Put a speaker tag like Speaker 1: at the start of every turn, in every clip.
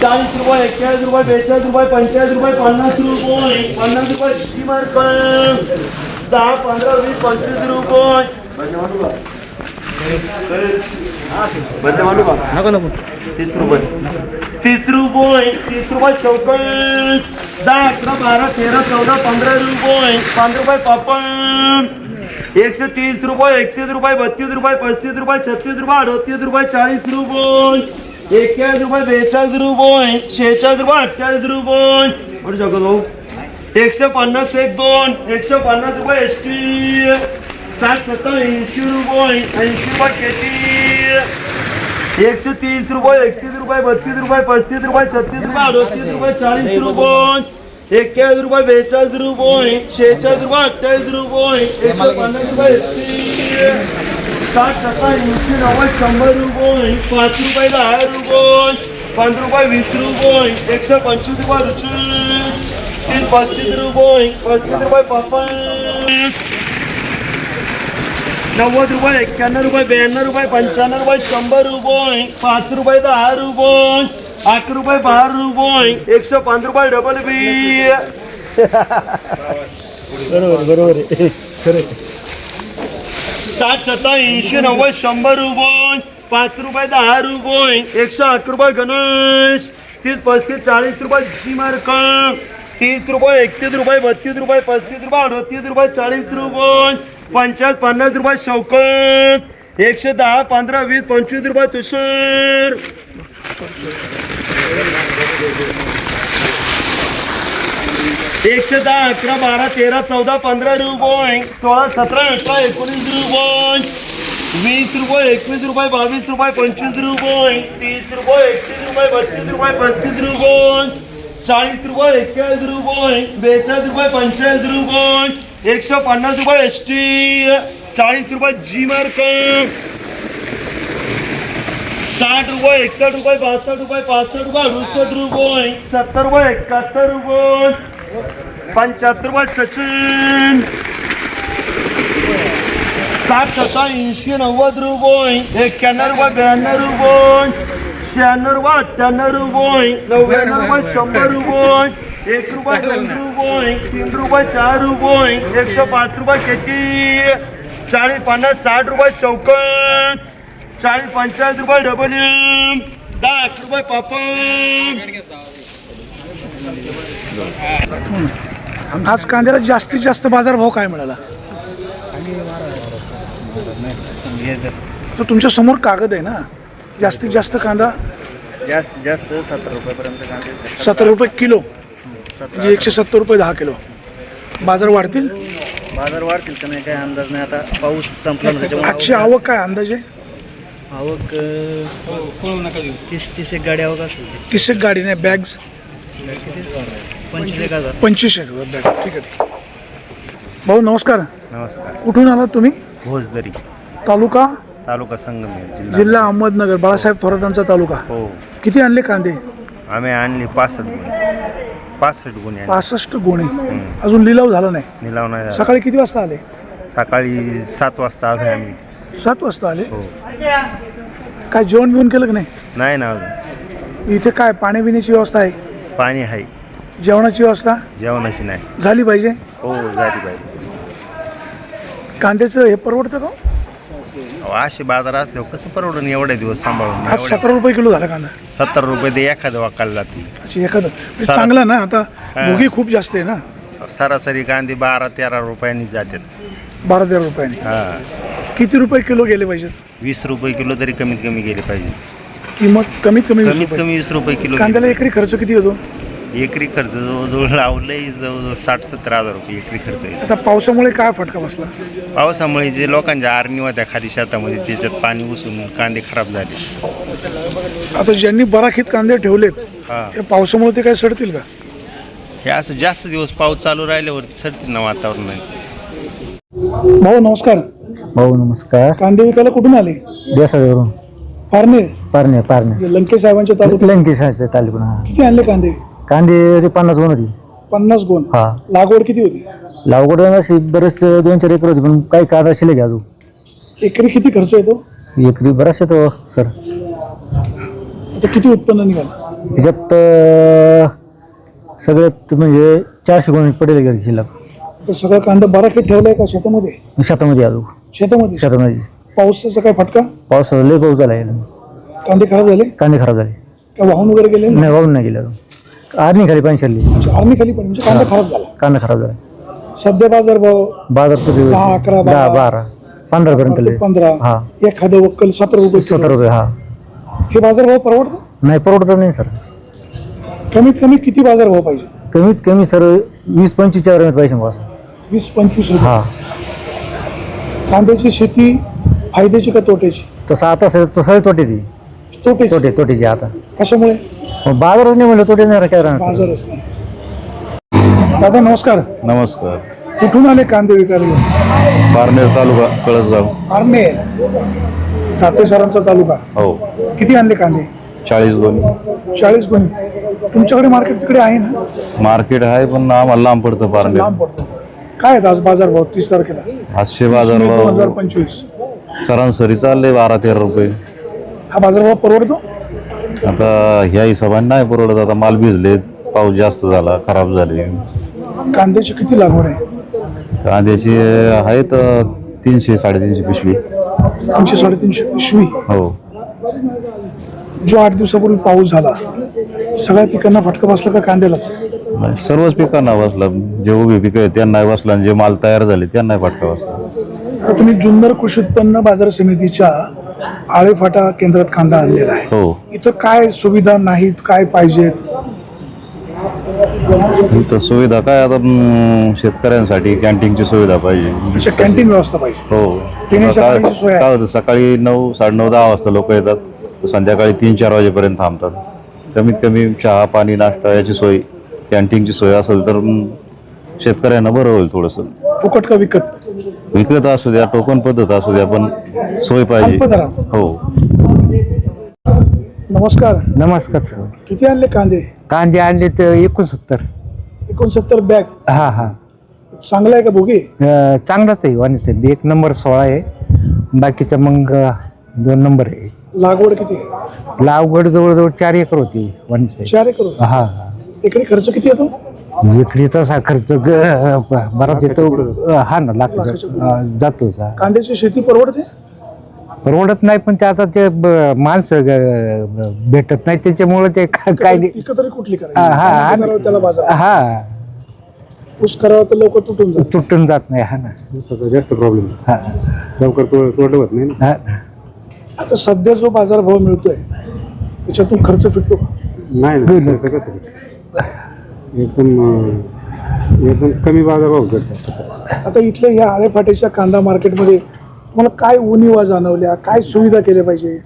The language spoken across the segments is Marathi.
Speaker 1: 40 रुपये 41 रुपये 42 रुपये 45 रुपये 50 रुपये श्रीमार्क 10 15 20 25 रुपये नको 30 रुपये 30 रुपये शौकत 10 11 12 13 14 15 रुपये 5 रुपये पापड 130 रुपये 31 रुपये 32 रुपये 35 रुपये 36 रुपये 38 रुपये 40 रुपये 41 रुपये 42 रुपये 46 रुपये 28 रुपये और जगह भाऊ 150 1 2 150 रुपये एसटी 60 70 80 रुपये 80 रुपये केटी 130 रुपये 31 रुपये 32 रुपये 35 रुपये 36 रुपये 38 रुपये 40 रुपये 41 रुपये 42 रुपये 46 रुपये 28 रुपये 150 रुपये एसटी 60 70 80 90 100 रुपये 5 रुपये 10 रुपये 5 रुपये 20 रुपये 125 रुपये रुची 35 रुपये 35 रुपये पापड 90 रुपये 91 रुपये 92 रुपये 95 रुपये 100 रुपये 5 रुपये 10 रुपये 8 रुपये 12 रुपये 105 रुपये डबल बी बरोबर 60 70 80 90 100 रुपये 5 रुपये 10 रुपये 108 रुपये गणेश 30 35 40 रुपये श्रीमार्क 30 रुपये 31 रुपये 32 रुपये 35 रुपये 38 रुपये 40 रुपये 50 50 रुपये शौकत 110 15 20 25 रुपये तुषार 110 11 12 13 14 15 रुपये 16 17 18 19 रुपये 20 रुपये 21 रुपये 22 रुपये 25 रुपये 30 रुपये 31 रुपये 32 रुपये 35 रुपये 40 रुपये 41 रुपये 42 रुपये 45 रुपये 150 रुपये एसटी 40 रुपये जी मार्क 60 रुपये 61 रुपये 62 रुपये 65 रुपये 68 रुपये 70 रुपये 71 रुपये 75 रुपये सचिन 60 70 80 90 रुपये 91 रुपये 92 रुपये 96 रुपये 98 रुपये 99 रुपये 100 रुपये 1 रुपये 2 रुपये 3 रुपये 4 रुपये 105 रुपये केटी 40 50 60 रुपये शौकत 40 45 रुपये डबल 10 रुपये पापड
Speaker 2: आज कांद्याला जास्तीत जास्त बाजारभाव काय मिळाला? तर तुमच्या समोर कागद आहे ना, जास्तीत जास्त कांदा
Speaker 3: जास्तीत जास्त 70 रुपयापर्यंत कांदे
Speaker 2: 70 रुपये किलो म्हणजे 170 रुपये 10 किलो. बाजार वाढतील?
Speaker 3: बाजार वाढतील का नाही काय अंदाज नाही. आता पाऊस संपला ना त्याच्यामुळे
Speaker 2: आजची आवक काय अंदाजे?
Speaker 3: आवक 30 एक गाडी आवक असेल.
Speaker 2: 30 एक गाडी नाही, बॅग्स
Speaker 3: 25,000.
Speaker 2: 25,000 बॅग. ठीक आहे ठीक. भाऊ नमस्कार.
Speaker 3: नमस्कार.
Speaker 2: कुठून आलात तुम्ही?
Speaker 3: भोजदरी
Speaker 2: तालुका
Speaker 3: संगमेश्वर
Speaker 2: जिल्हा अहमदनगर. बाळासाहेब थोरातांचा तालुका.
Speaker 3: हो.
Speaker 2: किती आणले कांदे?
Speaker 3: आम्ही आणली 65 गुणे
Speaker 2: 65 गोणे. अजून लिलाव झाला नाही?
Speaker 3: निलाव नाही झाला.
Speaker 2: सकाळी किती वाजता आले?
Speaker 3: सकाळी 7 वाजता आलो आम्ही.
Speaker 2: 7 वाजता आले.
Speaker 3: हो.
Speaker 2: काय जेवण बिवण केलं की नाही?
Speaker 3: नाही ना अजून.
Speaker 2: इथे काय पाणी पिण्याची व्यवस्था आहे?
Speaker 3: पाणी आहे.
Speaker 2: जेवणाची व्यवस्था
Speaker 3: जेवणाची नाही
Speaker 2: झाली पाहिजे.
Speaker 3: हो झाली पाहिजे.
Speaker 2: कांद्याचं हे परवडतं का?
Speaker 3: असे बाजार असल्यावर कसं परवडून एवढे दिवस सांभाळून.
Speaker 2: आज 17 रुपये किलो झाला कांदा.
Speaker 3: 70 रुपये ते एखादं वाकायला जाते.
Speaker 2: अच्छा एखादं चांगला ना. आता भोगी खूप जास्त आहे ना.
Speaker 3: सरासरी कांदे 12-13 रुपयांनी जातात.
Speaker 2: 12-13 रुपयाने.
Speaker 3: हां.
Speaker 2: किती रुपये किलो गेले पाहिजेत?
Speaker 3: 20 रुपये किलो तरी कमीत कमी गेले पाहिजे.
Speaker 2: किंमत कमीत कमी 20
Speaker 3: कमीत
Speaker 2: रुपये.
Speaker 3: कमी 20 रुपये किलो.
Speaker 2: कांद्याला एकरी खर्च किती होतो?
Speaker 3: एकरी खर्च जवळजवळ लावलंय जवळजवळ 60-70 हजार रुपये एकरी खर्च आहे.
Speaker 2: आता पावसामुळे काय फटका बसला?
Speaker 3: पावसामुळे जे लोकांच्या आरणी होत्या खाली शेतामध्ये त्याच्यात पाणी घुसून कांदे खराब झाले.
Speaker 2: आता ज्यांनी बराखीत कांदे ठेवलेत
Speaker 3: हां.
Speaker 2: या पावसामुळे ते काय सडतील का?
Speaker 3: हे असं जास्त दिवस पाऊस चालू राहिल्यावर सडतील ना वातावरण.
Speaker 2: भाऊ नमस्कार.
Speaker 4: भाऊ नमस्कार.
Speaker 2: कांदे विकायला कुठून आले?
Speaker 4: देसाळीवरून.
Speaker 2: पारनेर
Speaker 4: पारणे
Speaker 2: लंके साहेबांच्या तालुक्यात.
Speaker 4: लंकेशाचे तालुका.
Speaker 2: किती आणले कांदे?
Speaker 4: कांदे 50 गुण होती.
Speaker 2: 50 गोण.
Speaker 4: हा.
Speaker 2: लागवड किती होती?
Speaker 4: लागवड अशी बरेच 2-4 एकर होती पण काही कांदा शिल्लक अजून.
Speaker 2: एकरी किती खर्च येतो?
Speaker 4: एकरी बराच येतो सर.
Speaker 2: आता किती उत्पन्न निघाल?
Speaker 4: त्याच्यात सगळ्यात म्हणजे 400 गुण पडेल घरी शिल्लक.
Speaker 2: तर सगळा कांदा बाराखीत ठेवलाय का शेतामध्ये?
Speaker 4: शेतामध्ये आलो.
Speaker 2: शेतामध्ये पावसाचा काय फटका?
Speaker 4: पाऊस लय पाऊस झाला.
Speaker 2: कांदे खराब झाले?
Speaker 4: कांदे खराब झाले.
Speaker 2: का वाहून वगैरे गेले?
Speaker 4: नाही, वाहून नाही गेले. आर्नी खाली पाणी शिरली.
Speaker 2: आर्मी खाली पण म्हणजे कांदा खराब झाला.
Speaker 4: कांदा खराब झाला.
Speaker 2: सध्या बाजार भाव
Speaker 4: बाजार तर
Speaker 2: 10, 11,
Speaker 4: 10, 12, 15 पर्यंत.
Speaker 2: 15.
Speaker 4: हा,
Speaker 2: एखादं वक्कल 17 रुपये.
Speaker 4: 17 रुपये. हा,
Speaker 2: हे बाजार भाव परवडतं?
Speaker 4: नाही परवडत नाही सर.
Speaker 2: कमीत कमी किती बाजार भाव पाहिजे?
Speaker 4: कमीत कमी सर 20-25 पैसे बस.
Speaker 2: 20-25 रुपये.
Speaker 4: हा,
Speaker 2: कांद्याची शेती फायद्याची का तोट्याची?
Speaker 4: तसं आता सगळी तोटेची. तोटेची आता.
Speaker 2: कशामुळे?
Speaker 4: बाजारच नाही म्हणलं तोटे नाही काय राहणार सर.
Speaker 2: बाजारच नाही. दादा नमस्कार.
Speaker 5: नमस्कार.
Speaker 2: कुठून आले कांदे विकायला घेऊन?
Speaker 5: पारनेर तालुका कळसगाव.
Speaker 2: पारनेर तातेसरांचा तालुका.
Speaker 5: हो.
Speaker 2: किती आणले कांदे?
Speaker 5: 40 गुणी.
Speaker 2: 40 गुणी. तुमच्याकडे मार्केट तिकडे आहे ना?
Speaker 5: मार्केट आहे पण आम्हाला लांब पडतं पारनेर.
Speaker 2: लांब पडतो. काय आहेत आज बाजार भाव 30 तारखेला?
Speaker 5: 800 बाजार भाव
Speaker 2: 2025.
Speaker 5: सरासरी चालले 12-13 रुपये.
Speaker 2: हा बाजार भाव परवडतो?
Speaker 5: आता ह्या हिशोबाने नाही परवडत. आता माल भिजले, पाऊस जास्त झाला, खराब झाले.
Speaker 2: कांद्याची किती लागवड आहे?
Speaker 5: कांद्याची आहेत 300-350 पिशवी.
Speaker 2: 300-350 पिशवी.
Speaker 5: हो.
Speaker 2: जो 8 दिवसापूर्वी पाऊस झाला सगळ्या पिकांना फटका बसला का कांद्यालाच?
Speaker 5: नाही, सर्वच पिकांना बसला. जे उभी पिकं आहेत त्यांना बसला आणि जे माल तयार झाले त्यांना फटका बसला.
Speaker 2: आता तुम्ही जुन्नर कृषी उत्पन्न बाजार समितीच्या आळेफाटा केंद्रात कांदा आणलेला आहे.
Speaker 5: हो.
Speaker 2: इथं काय सुविधा नाहीत, काय पाहिजेत?
Speaker 5: इथं सुविधा काय आता शेतकऱ्यांसाठी कॅन्टीनची सुविधा पाहिजे.
Speaker 2: अशा कॅन्टीन व्यवस्था पाहिजे.
Speaker 5: हो.
Speaker 2: पिण्याच्या पाण्याची सोय आहे.
Speaker 5: काय होतं, सकाळी 9, 9:30, 10 वाजता लोक येतात, संध्याकाळी 3-4 वाजेपर्यंत थांबतात. कमीत कमी चहा पाणी नाश्ता याची सोय, कॅन्टीनची सोय असेल तर शेतकऱ्यांना बरं होईल. थोडंसं
Speaker 2: फुकट का विकत?
Speaker 5: विकत असू द्या, टोकन पद्धत असू द्या, पण सोय पाहिजे.
Speaker 2: अल्पदरात.
Speaker 5: हो.
Speaker 2: नमस्कार.
Speaker 6: नमस्कार सर.
Speaker 2: किती आणले कांदे?
Speaker 6: कांदे आणले तर 69.
Speaker 2: 69 बॅग.
Speaker 6: हा हा,
Speaker 2: चांगला आहे का भोगे?
Speaker 6: चांगलाच आहे वाणी साहेब. 1 नंबर 16 आहे, बाकीचा मग 2 नंबर आहे.
Speaker 2: लागवड किती?
Speaker 6: लागवड जवळजवळ 4 एकर होती वाणी साहेब.
Speaker 2: 4 एकर होती.
Speaker 6: हा,
Speaker 2: एकरी खर्च किती येतो?
Speaker 6: एकरी तसा खर्च बराच येतो. हा ना, जातो.
Speaker 2: कांद्याची शेती परवडते?
Speaker 6: परवडत नाही, पण ते आता ते माणसं भेटत नाही त्याच्यामुळे ते काय
Speaker 2: पिकं तरी कुठली
Speaker 6: हा,
Speaker 2: करायची? करावं त्याला बाजार.
Speaker 6: हा,
Speaker 2: ऊस करावं तर लोक तुटून जातात.
Speaker 6: तुटून जात नाही. हा ना,
Speaker 7: जास्त प्रॉब्लेम.
Speaker 6: हा
Speaker 7: लवकर तोडलं होत नाही ना.
Speaker 6: हा.
Speaker 2: आता सध्या जो बाजार भाव मिळतोय त्याच्यातून खर्च फिटतो का?
Speaker 7: नाही ना, खर्च कसं एकदम कमी बाजारभाव करतात.
Speaker 2: आता इथल्या या आळेफाट्याच्या कांदा मार्केटमध्ये तुम्हाला काय उणिवा जाणवल्या, काय सुविधा केल्या पाहिजे?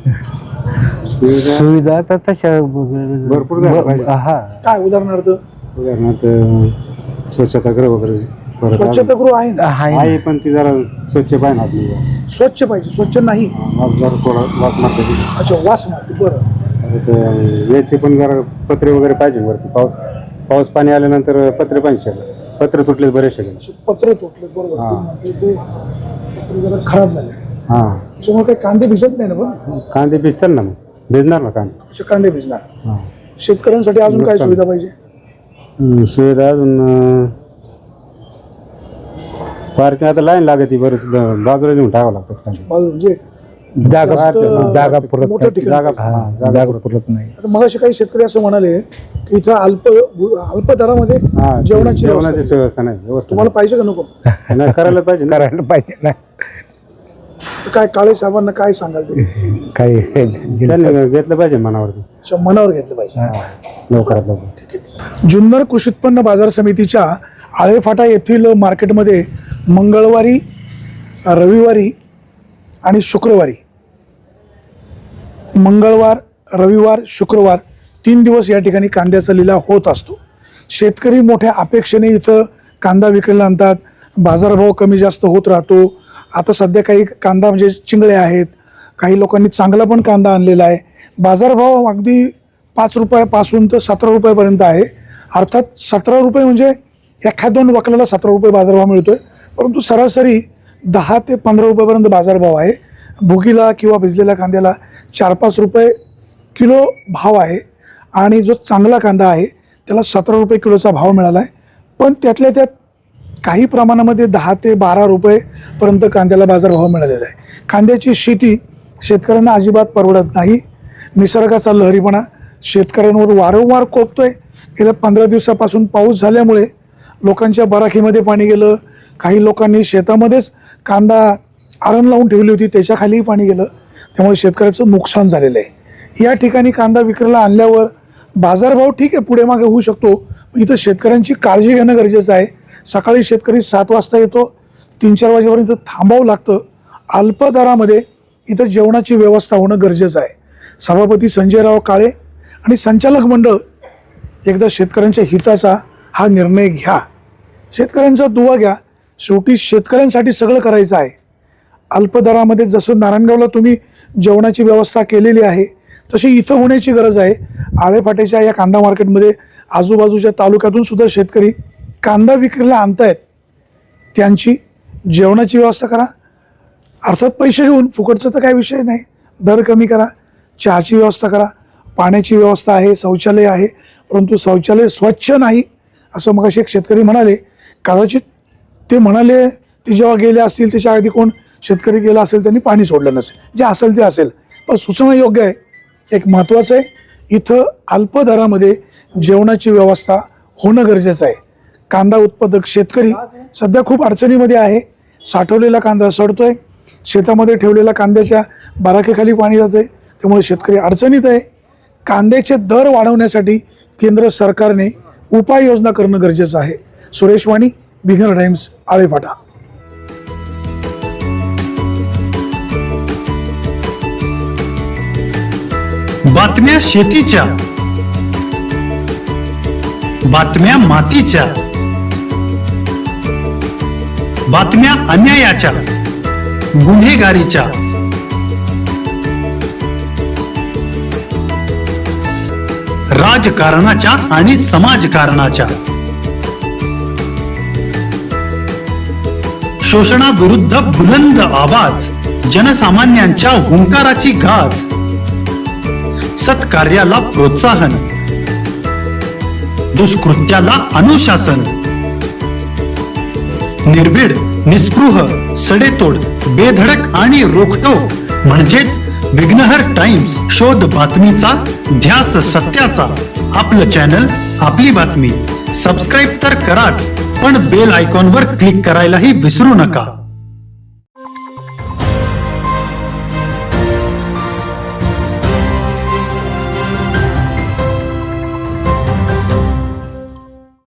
Speaker 6: सुविधा तर तशा
Speaker 7: भरपूर झाल्या पाहिजे.
Speaker 6: हा,
Speaker 2: काय उदाहरणार्थ?
Speaker 7: उदाहरणार्थ स्वच्छतागृह वगैरे परत
Speaker 2: स्वच्छतागृह आहे ना?
Speaker 7: आहे, पण ती जरा स्वच्छ पाहिजे आपली.
Speaker 2: स्वच्छ पाहिजे. स्वच्छ नाही.
Speaker 7: जरा थोडा वास मारते.
Speaker 2: अच्छा, वास मारते. बरं.
Speaker 7: याचे पण जरा पत्रे वगैरे पाहिजे वरती. पाऊस पाणी आल्यानंतर पत्रे पाहिजे. पत्रे तुटले बरेचसे.
Speaker 2: पत्र तुटले. बरोबर.
Speaker 7: हा.
Speaker 2: ते पत्र जरा खराब झाले.
Speaker 7: हा,
Speaker 2: त्याच्यामुळे काही कांदे भिजत नाही ना? पण
Speaker 7: कांदे भिजतात ना, मग भिजणार ना कांदे.
Speaker 2: असे कांदे भिजणार.
Speaker 7: हा.
Speaker 2: शेतकऱ्यांसाठी अजून काय सुविधा पाहिजे?
Speaker 7: सुविधा अजून पार्किंग आता लाईन लागते. बरेच बाजूला नेऊन टाकावं लागतं.
Speaker 2: बाजू म्हणजे
Speaker 6: जागा पुरत
Speaker 2: मोठं
Speaker 6: नाही.
Speaker 2: ठिकाण.
Speaker 6: जागा पुरत नाही.
Speaker 2: आता मगाशी काही शेतकरी असं म्हणाले की इथं अल्प दरामध्ये जेवणाची
Speaker 7: व्यवस्था नाही. व्यवस्था
Speaker 2: तुम्हाला पाहिजे का नको?
Speaker 7: नाही, करायला पाहिजे.
Speaker 6: करायला पाहिजे ना.
Speaker 2: तर काय काळे साहेबांना काय सांगाल तुम्ही?
Speaker 6: काही
Speaker 7: त्यांनी घेतलं पाहिजे मनावरती.
Speaker 2: अच्छा, मनावर घेतलं पाहिजे.
Speaker 7: लवकरात लवकर.
Speaker 2: जुन्नर कृषी उत्पन्न बाजार समितीच्या आळेफाटा येथील मार्केटमध्ये मंगळवारी, रविवारी आणि शुक्रवारी, मंगळवार, रविवार, शुक्रवार 3 दिवस या ठिकाणी कांद्याचा लिलाव होत असतो. शेतकरी मोठ्या अपेक्षेने इथं कांदा विकायला आणतात. बाजारभाव कमी जास्त होत राहतो. आता सध्या काही कांदा म्हणजे चिंगळे आहेत, काही लोकांनी चांगला पण कांदा आणलेला आहे. बाजारभाव अगदी 5 रुपयापासून तर 17 रुपयापर्यंत आहे. अर्थात 17 रुपये म्हणजे एखाद 2 वकलाला 17 रुपये बाजारभाव मिळतोय, परंतु सरासरी 10 ते 15 रुपयापर्यंत बाजारभाव आहे. भुगीला किंवा भिजलेल्या कांद्याला 4-5 रुपये किलो भाव आहे. आणि जो चांगला कांदा आहे त्याला 17 रुपये किलोचा भाव मिळाला आहे. पण त्यातल्या त्यात काही प्रमाणामध्ये 10 ते 12 रुपयेपर्यंत कांद्याला बाजारभाव मिळालेला आहे. कांद्याची शेती शेतकऱ्यांना अजिबात परवडत नाही. निसर्गाचा लहरीपणा शेतकऱ्यांवर वारंवार कोपतोय. गेल्या 15 दिवसापासून पाऊस झाल्यामुळे लोकांच्या बराखीमध्ये पाणी गेलं. काही लोकांनी शेतामध्येच कांदा आरण लावून ठेवली होती, त्याच्याखालीही पाणी गेलं. त्यामुळे शेतकऱ्याचं नुकसान झालेलं आहे. या ठिकाणी कांदा विक्रीला आणल्यावर बाजारभाव ठीक आहे पुढे मागे होऊ शकतो, इथं शेतकऱ्यांची काळजी घेणं गरजेचं आहे. सकाळी शेतकरी 7 वाजता येतो, 3-4 वाजेपर्यंत थांबावं लागतं. अल्प दरामध्ये इथं जेवणाची व्यवस्था होणं गरजेचं आहे. सभापती संजयराव काळे आणि संचालक मंडळ एकदा शेतकऱ्यांच्या हिताचा हा निर्णय घ्या. शेतकऱ्यांचा दुवा घ्या. शेवटी शेतकऱ्यांसाठी सगळं करायचं आहे. अल्प दरामध्ये जसं नारायणगावला तुम्ही जेवणाची व्यवस्था केलेली आहे तशी इथं होण्याची गरज आहे. आळेफाट्याच्या या कांदा मार्केटमध्ये आजूबाजूच्या तालुक्यातून सुद्धा शेतकरी कांदा विक्रीला आणतायत. त्यांची जेवणाची व्यवस्था करा. अर्थात पैसे घेऊन, फुकटचं तर काही विषय नाही. दर कमी करा. चहाची व्यवस्था करा. पाण्याची व्यवस्था आहे, शौचालय आहे, परंतु शौचालय स्वच्छ नाही असं मगाशी एक शेतकरी म्हणाले. कदाचित ते म्हणाले ते जेव्हा गेले असतील त्याच्या आधी कोण शेतकरी गेला असेल त्यांनी पाणी सोडलं नसेल. जे असेल ते असेल, पण सूचना योग्य आहे. एक महत्त्वाचं आहे, इथं अल्प दरामध्ये जेवणाची व्यवस्था होणं गरजेचं आहे. कांदा उत्पादक शेतकरी सध्या खूप अडचणीमध्ये आहे. साठवलेला कांदा सडतोय, शेतामध्ये ठेवलेला कांद्याच्या बराकीखाली पाणी जाते, त्यामुळे शेतकरी अडचणीत आहे. कांद्याचे दर वाढवण्यासाठी केंद्र सरकारने उपाययोजना करणं गरजेचं आहे. Suresh Wani, bigger times, Alephata.
Speaker 8: बातम्या शेतीच्या, बातम्या मातीच्या, बातम्या अन्यायाच्या, गुन्हेगारीच्या, राजकारणाच्या आणि समाजकारणाच्या, शोषणाविरुद्ध बुलंद आवाज, जनसामान्यांच्या हुंकाराची गाज, सत्कार्याला प्रोत्साहन, दुष्कृत्याला अनुशासन, निर्भीड, निस्पृह, सडेतोड, बेधडक आणि रोखटोक म्हणजेच विघ्नहर टाइम्स. शोध बातमीचा, ध्यास सत्याचा. आपलं चॅनल, आपली बातमी. सबस्क्राईब तर कराच, पण बेल आयकॉनवर क्लिक करायलाही विसरू नका.